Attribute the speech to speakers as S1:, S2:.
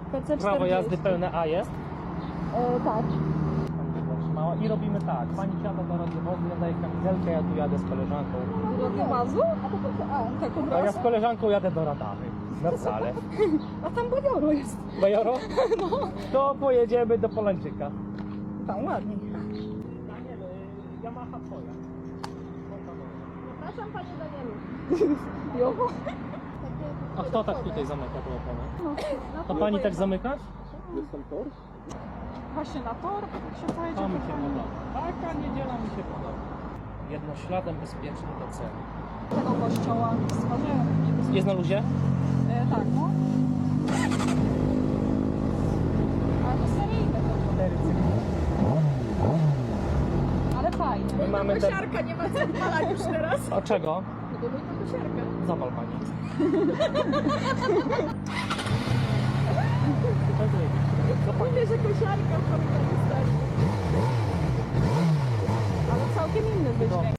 S1: PC 40.
S2: Prawo jazdy pełne A jest?
S1: Tak.
S2: Zatrzymała. I robimy tak. Pani siada do radiowozu, ja daję kamizelkę, ja tu jadę z koleżanką.
S1: Do radiowozu? A to tak od
S2: A ja
S1: razu?
S2: z koleżanką jadę do Radamy. Na wcale.
S1: A tam Bajoro jest.
S2: Bajoro? No. To pojedziemy do Polańczyka.
S1: Tam ładnie.
S2: Yamaha twoja.
S1: Zapraszam Panie Danielu. Jo.
S2: A kto tak tutaj zamyka tą oponę?
S1: No,
S2: To pani tak zamyka?
S1: Właśnie na tor się pojedzie.
S2: To mi się podoba. Taka niedziela mi się podoba. Jednośladem bezpieczny do celu.
S1: Tego kościoła stwarzają.
S2: Jest na luzie?
S1: Tak, no. Ale to seryjne to.
S2: 4
S1: Ale fajnie.
S2: My mamy te...
S1: Kosiarka, nie ma co odpalać już teraz.
S2: A czego?
S1: No to kosiarka.
S2: Zawal pani.
S1: Mówię, że kosiarka w korytarzu stać. Ale całkiem inny wydźwięk.